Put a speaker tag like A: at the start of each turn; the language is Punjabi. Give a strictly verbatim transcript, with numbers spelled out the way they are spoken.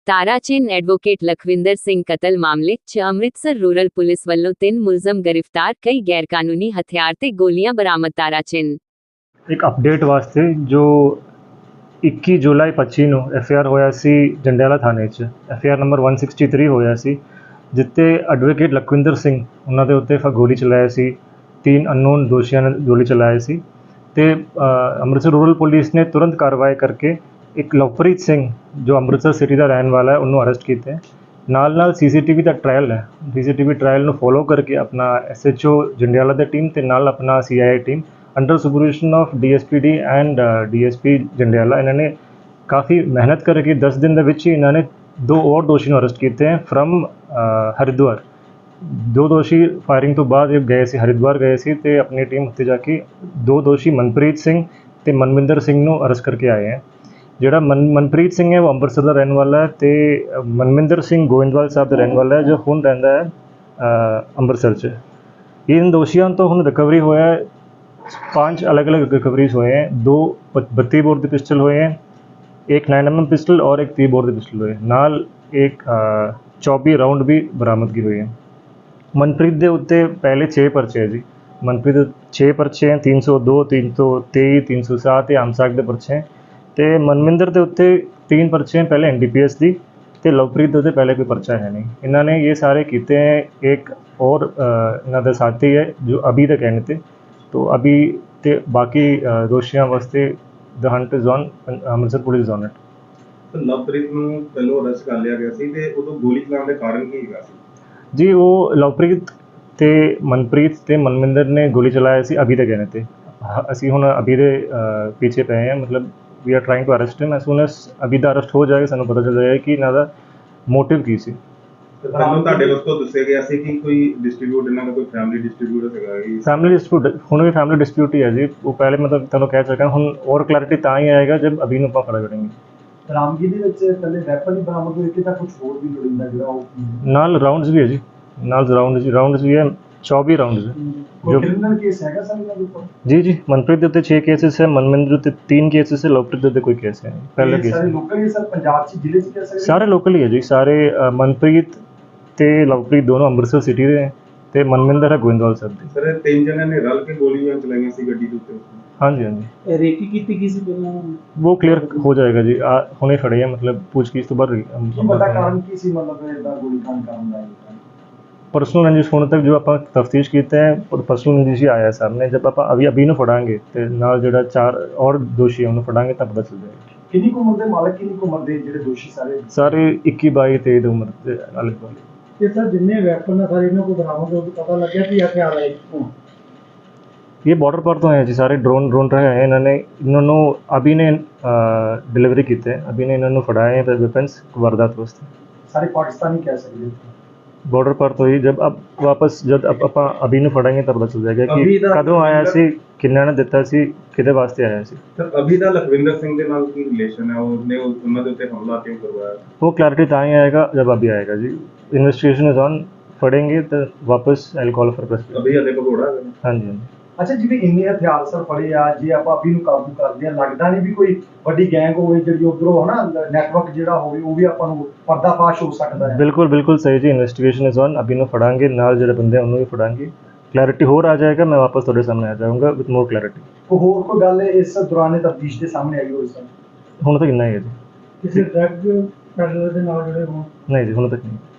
A: ਤਾਰਾਚੰਦ ਐਡਵੋਕੇਟ ਲਖਵਿੰਦਰ ਸਿੰਘ ਕਤਲ ਮਾਮਲੇ 'ਚ ਅੰਮ੍ਰਿਤਸਰ ਰੂਰਲ ਪੁਲਿਸ ਵੱਲੋਂ ਤਿੰਨ ਮੁਲਜ਼ਮ ਗ੍ਰਿਫਤਾਰ, ਕਈ ਗੈਰਕਾਨੂੰਨੀ ਹਥਿਆਰ ਤੇ ਗੋਲੀਆਂ ਬਰਾਮਦ। ਤਾਰਾਚੰਦ
B: ਇੱਕ ਅਪਡੇਟ ਵਾਸਤੇ ਜੋ ਇੱਕੀ ਜੁਲਾਈ ਪੱਚੀ ਨੂੰ ਐਫ ਆਈ ਆਰ ਹੋਇਆ ਸੀ ਜੰਡਿਆਲਾ ਥਾਣੇ 'ਚ, ਐਫ ਆਈ ਆਰ ਨੰਬਰ ਇੱਕ ਸੌ ਤਿਰਸਠ ਹੋਇਆ ਸੀ, ਜਿੱਤੇ ਐਡਵੋਕੇਟ ਲਖਵਿੰਦਰ ਸਿੰਘ ਉਹਨਾਂ ਦੇ ਉੱਤੇ ਗੋਲੀ ਚਲਾਇਆ ਸੀ। ਤਿੰਨ ਅਨਨੋਨ ਦੋਸ਼ੀਆਂ ਨੇ ਗੋਲੀ ਚਲਾਇਆ ਸੀ ਤੇ ਅੰਮ੍ਰਿਤਸਰ ਰੂਰਲ ਪੁਲਿਸ ਨੇ ਤੁਰੰਤ ਕਾਰਵਾਈ ਕਰਕੇ ਇੱਕ ਲਵਪ੍ਰੀਤ ਸਿੰਘ ਜੋ ਅੰਮ੍ਰਿਤਸਰ ਸਿਟੀ ਦਾ ਰਹਿਣ ਵਾਲਾ ਹੈ ਉਹਨੂੰ ਅਰੈਸਟ ਕੀਤਾ। ਨਾਲ ਨਾਲ ਸੀ ਸੀ ਟੀ ਵੀ ਦਾ ਟ੍ਰਾਇਲ ਹੈ, C C T V trial ਨੂੰ ਫੋਲੋ ਕਰਕੇ ਆਪਣਾ ਐਸ ਐਚ ਓ ਜੰਡਿਆਲਾ ਦੀ ਟੀਮ ਤੇ ਨਾਲ ਆਪਣਾ C I I team under supervision of D S P D and D S P Jandiala, ਇਹਨਾਂ ਨੇ ਕਾफ़ी ਮਿਹਨਤ ਕਰਕੇ ਦਸ ਦਿਨ ਦੇ ਵਿੱਚ ਹੀ ਇਹਨਾਂ ਨੇ ਦੋ ਹੋਰ ਦੋਸ਼ੀ ਨੂੰ ਅਰੈਸਟ ਕੀਤੇ ਹੈ ਫਰਮ ਹਰਿਦੁਆਰ। ਦੋ ਦੋਸ਼ੀ ਫਾਇਰਿੰਗ ਤੋਂ ਬਾਅਦ ਗਏ ਸੀ ਹਰਿਦੁਆਰ ਗਏ ਸੀ ਤੇ ਆਪਣੀ ਟੀਮ ਉੱਤੇ ਜਾ ਕੇ ਦੋ ਦੋਸ਼ੀ ਮਨਪ੍ਰੀਤ ਸਿੰਘ ਤੇ ਮਨਵਿੰਦਰ ਸਿੰਘ ਨੂੰ ਅਰੈਸਟ ਕਰਕੇ ਆਏ ਹੈ। ਜਿਹੜਾ ਮਨ ਮਨਪ੍ਰੀਤ ਸਿੰਘ ਹੈ ਉਹ ਅੰਮ੍ਰਿਤਸਰ ਦਾ ਰਹਿਣ ਵਾਲਾ ਹੈ ਤੇ ਮਨਵਿੰਦਰ ਸਿੰਘ ਗੋਇੰਦਵਾਲ ਸਾਹਿਬ ਦਾ ਰਹਿਣ ਵਾਲਾ ਹੈ ਜੋ ਹੁਣ ਰਹਿੰਦਾ ਹੈ ਅੰਮ੍ਰਿਤਸਰ 'ਚ। ਇਹਨਾਂ ਦੋਸ਼ੀਆਂ ਤੋਂ ਹੁਣ ਰਿਕਵਰੀ ਹੋਇਆ ਹੈ, पांच अलग अलग रिकवरीज हुए हैं। दो बत्ती बोर के पिस्टल हुए हैं, एक नाइन एम एम पिस्टल और एक तीस बोर के पिस्टल हुए, नाल एक चौबी राउंड भी बरामदगी हुई है। मनप्रीत के उत्ते पहले छे परचे है जी, मनप्रीत छे परचे हैं, तीन सौ दो तीन सौ तेई तीन सौ सात आमसाक के परचे हैं। तो मनविंदर के उत्ते तीन परचे हैं पहले एन डी पी एस की, तो लवप्रीत के पहले कोई परचा है नहीं। इन्होंने ये सारे किए हैं। एक और इन्होंने साथी है जो अभी तक कहने थे, तो अभी ते बाकी दोषियों वास्ते the hunt is on, Amritsar police on it.
C: तो लवप्रीत ਨੂੰ ਪਹਿਲਾਂ ਅਰੈਸਟ ਕਰ ਲਿਆ ਗਿਆ ਸੀ ਤੇ ਉਦੋਂ ਗੋਲੀ ਚਲਾਉਣ ਦੇ ਕਾਰਨ ਕੀ ਹੈਗਾ ਸੀ
B: ਜੀ? ਉਹ ਲਵਪ੍ਰੀਤ ਤੇ ਮਨਪ੍ਰੀਤ ਤੇ ਮਨਵਿੰਦਰ ਨੇ ਗੋਲੀ ਚਲਾਇਆ ਸੀ ਅਭੀ ਦੇ ਕਹਿਣੇ ਤੇ। ਅਸੀਂ ਹੁਣ ਅਭੀ ਦੇ ਪਿੱਛੇ ਪਏ ਹਾਂ, ਮਤਲਬ we are trying to arrest him. As soon as ਅਭੀ ਦਾ ਅਰੈਸਟ ਹੋ ਜਾਏਗਾ ਸਾਨੂੰ ਪਤਾ ਚੱਲ ਜਾਏਗਾ ਕਿ ਇਹਨਾਂ ਦਾ ਮੋਟਿਵ ਕੀ ਸੀ।
C: ਤੁਹਾਨੂੰ ਤੁਹਾਡੇ ਵੱਲੋਂ ਦੱਸਿਆ ਗਿਆ ਸੀ ਕਿ ਕੋਈ ਡਿਸਟ੍ਰੀਬਿਊਟ ਇਹਨਾਂ ਦਾ ਕੋਈ ਫੈਮਿਲੀ ਡਿਸਟ੍ਰੀਬਿਊਟ ਹੈਗਾ ਜੀ?
B: ਫੈਮਿਲੀ ਡਿਸਪਿਊਟ ਹੁਣ ਵੀ ਫੈਮਿਲੀ ਡਿਸਪਿਊਟ ਹੀ ਹੈ ਜੀ। ਉਹ ਪਹਿਲੇ ਮਤਲਬ ਤੁਹਾਨੂੰ ਕਹਿ ਸਕਾਂ, ਹੁਣ ਔਰ ਕਲੈਰਿਟੀ ਤਾਂ ਹੀ ਆਏਗਾ ਜਦ ਅਭੀ ਨੂੰ ਆਪਾਂ ਖੜਾ ਕਰਾਂਗੇ।
D: ਰਾਮਗੀ ਦੇ ਵਿੱਚ ਪਹਿਲੇ ਵੈਪਨ ਹੀ ਬਰਾਮਦ ਹੋਏ ਕਿ ਤਾਂ ਕੁਝ ਹੋਰ ਵੀ ਲੋੜੀਂਦਾ ਜਿਹੜਾ ਉਹ
B: ਨਾਲ ਰਾਉਂਡਸ ਵੀ ਹੈ ਜੀ, ਨਾਲ ਰਾਉਂਡਸ ਰਾਉਂਡਸ ਵੀ ਹੈ, ਚੌਬੀ ਰਾਉਂਡਸ ਹੈ।
D: ਜੋ ਕ੍ਰਿਮੀਨਲ ਕੇਸ ਹੈਗਾ ਸਰ ਇਹਨਾਂ ਦੇ ਉੱਪਰ?
B: ਜੀ ਜੀ, ਮਨਪ੍ਰੀਤ ਦੇ ਉੱਤੇ ਛੇ ਕੇਸਿਸ ਹੈ, ਮਨਵਿੰਦਰ ਉੱਤੇ ਤਿੰਨ ਕੇਸਿਸ ਹੈ, ਲਵਪ੍ਰੀਤ ਦੇ ਉੱਤੇ ਕੋਈ ਕੇਸ ਹੈ ਪਹਿਲਾ ਕੇਸ।
D: ਸਾਰੇ ਲੋਕਲ ਹੀ ਸਰ ਪੰਜਾਬ 'ਚ ਜ਼ਿਲ੍ਹੇ 'ਚ ਕਹਿ ਸਕਦੇ?
B: ਸਾਰੇ ਲੋਕਲ ਹੀ ਹੈ ਜੀ, ਸਾਰੇ ਮਨਪ੍ਰੀਤ ਤੇ ਲਵਪ੍ਰੀਤ ਦੋਨੋਂ ਅੰਮ੍ਰਿਤਸਰ ਸਿਟੀ ਦੇ ਹੈ ਤੇ ਮਨਵਿੰਦਰ ਹੈ ਗੋਇੰਦਵਾਲ ਸਾਹਿਬ ਦੇ।
C: ਸਰ ਤਿੰਨ ਜਣਿਆਂ ਨੇ ਰਲ ਕੇ ਗੋਲੀਆਂ ਚਲਾਈਆਂ ਸੀ ਗੱਡੀ ਦੇ ਉੱਤੇ?
B: ਹਾਂਜੀ ਹਾਂਜੀ।
D: ਰੇਕੀ ਕੀਤੀ ਗਈ ਸੀ ਪਹਿਲਾਂ?
B: ਉਹ ਕਲੀਅਰ ਹੋ ਜਾਏਗਾ ਜੀ, ਆ ਹੁਣੇ ਫੜੇ ਆ, ਮਤਲਬ ਪੁੱਛਗਿੱਛ ਤੋਂ ਬਾਅਦ।
D: ਪਤਾ ਕਾਰਨ ਕੀ ਸੀ, ਮਤਲਬ ਇਹਦਾ ਗੋਲੀ ਕਾਂਡ ਕਰਨ ਦਾ?
B: पर्सनल रंजिश होने तक जो आप तफ्तीश कीते हैं और पर्सनल रंजिश ही आया सामने। जब आप अभी अभी ਨੂੰ ਫੜਾਂਗੇ ਤੇ ਨਾਲ ਜਿਹੜਾ ਚਾਰ ਔਰ ਦੋਸ਼ੀ ਉਹਨੂੰ ਫੜਾਂਗੇ ਤਾਂ ਪਤਾ ਚੱਲ ਜਾਏਗਾ।
D: ਕਿੰਨੀ ਕੁ ਉਮਰ ਦੇ ਮਾਲਕ, ਕਿੰਨੀ ਕੁ ਉਮਰ ਦੇ ਜਿਹੜੇ ਦੋਸ਼ੀ ਸਾਰੇ?
B: ਸਾਰੇ ਇੱਕੀ ਬਾਈ ਤੇਈ ਦੀ ਉਮਰ ਦੇ ਆਲੇ ਦੁਆਲੇ।
D: ਤੇ ਸਰ ਜਿੰਨੇ ਵੈਪਨ ਆ ਸਾਰੇ ਇਹਨਾਂ ਕੋਲ ਬਰਾਮਦ ਹੋ ਕੇ ਪਤਾ ਲੱਗਿਆ ਕਿ ਹਥਿਆਰ ਹੈ ਕਿੱਥੋਂ?
B: ये बॉर्डर पर तो हैं जी, सारे ड्रोन ड्रोन रहे हैं। इन्होंने इन्होंने अभी ने डिलीवरी किए हैं, अभी ने इन्होंने फड़ाए हैं वेपन्स वारदात वास्ते।
D: सारे पाकिस्तानी कह सकते
B: बॉर्डर पर तो ही जब अब वापस जब अब ਆਪਾਂ ਅਭੀ ਨੂੰ ਫੜਾਂਗੇ ਤਾਂ ਪਤਾ ਚੱਲ ਜਾਏਗਾ ਕਿ ਕਦੋਂ ਆਇਆ ਸੀ, ਕਿੰਨਾ ਨੇ ਦਿੱਤਾ ਸੀ, ਕਿਹਦੇ ਵਾਸਤੇ ਆਇਆ ਸੀ।
C: ਸਰ ਅਭੀ ਦਾ ਲਖਵਿੰਦਰ ਸਿੰਘ ਦੇ ਨਾਲ ਕੀ ਰਿਲੇਸ਼ਨ ਹੈ? ਉਹਨੇ ਉਹਨਾਂ ਦੇ ਉੱਤੇ ਹਮਲਾ ਕਿਉਂ ਕਰਵਾਇਆ?
B: वो क्लैरिटी ਤਾਂ ਹੀ ਆਏਗਾ जब अभी आएगा जी। इन्वेस्टिगेशन इज ऑन, फड़ेंगे तो वापस आई कॉल फॉर प्रेस।
C: ਅਭੀ ਹਲੇ ਭਗੌੜਾ ਹੈ?
B: हाँ जी हाँ जी।
D: ਅੱਛਾ, ਜਿਵੇਂ ਇੰਨੇ ਹਥਿਆਰ ਸਰ ਫੜੇ ਆ, ਜੇ ਆਪਾਂ ਅਭੀ ਨੂੰ ਕਾਬੂ ਕਰਦੇ ਆ, ਲੱਗਦਾ ਨਹੀਂ ਵੀ ਕੋਈ ਵੱਡੀ ਗੈਂਗ ਹੋਵੇ ਜਿਹੜੀ ਉਧਰੋਂ ਹਨਾ ਨੈਟਵਰਕ ਜਿਹੜਾ ਹੋਵੇ ਉਹ ਵੀ ਆਪਾਂ ਨੂੰ ਪਰਦਾਫਾਸ਼ ਹੋ ਸਕਦਾ ਹੈ?
B: ਬਿਲਕੁਲ ਬਿਲकुल ਸਹੀ ਜੀ। ਇਨਵੈਸਟੀਗੇਸ਼ਨ ਇਜ਼ ਔਨ, ਅਭੀ ਨੂੰ ਫੜਾਂਗੇ, ਨਾਲ ਜਿਹੜੇ ਬੰਦੇ ਉਹਨੂੰ ਵੀ ਫੜਾਂਗੇ। ਕਲੈਰਿਟੀ ਹੋਰ ਆ ਜਾਏਗਾ, ਮੈਂ ਵਾਪਸ ਤੁਹਾਡੇ ਸਾਹਮਣੇ ਆ ਜਾਊਂਗਾ ਵਿਦ ਮੋਰ ਕਲੈਰਿਟੀ।
D: ਕੋਈ ਹੋਰ ਕੋਈ ਗੱਲ ਇਸ ਦੌਰਾਨ ਤਫਤੀਸ਼ ਦੇ ਸਾਹਮਣੇ ਆਈ ਹੋਈ ਸਰ?
B: ਹੁਣ ਤੱਕ ਇੰਨਾ ਹੀ ਹੈ ਜੀ।
D: ਕਿਸੇ ਡਰੱਗ ਪੈਡਲਰ ਦੇ ਨਾਲ ਜਿਹੜੇ ਹੋਣ?
B: ਨਹੀਂ ਜੀ, ਹੁਣ ਤੱਕ ਨਹੀਂ।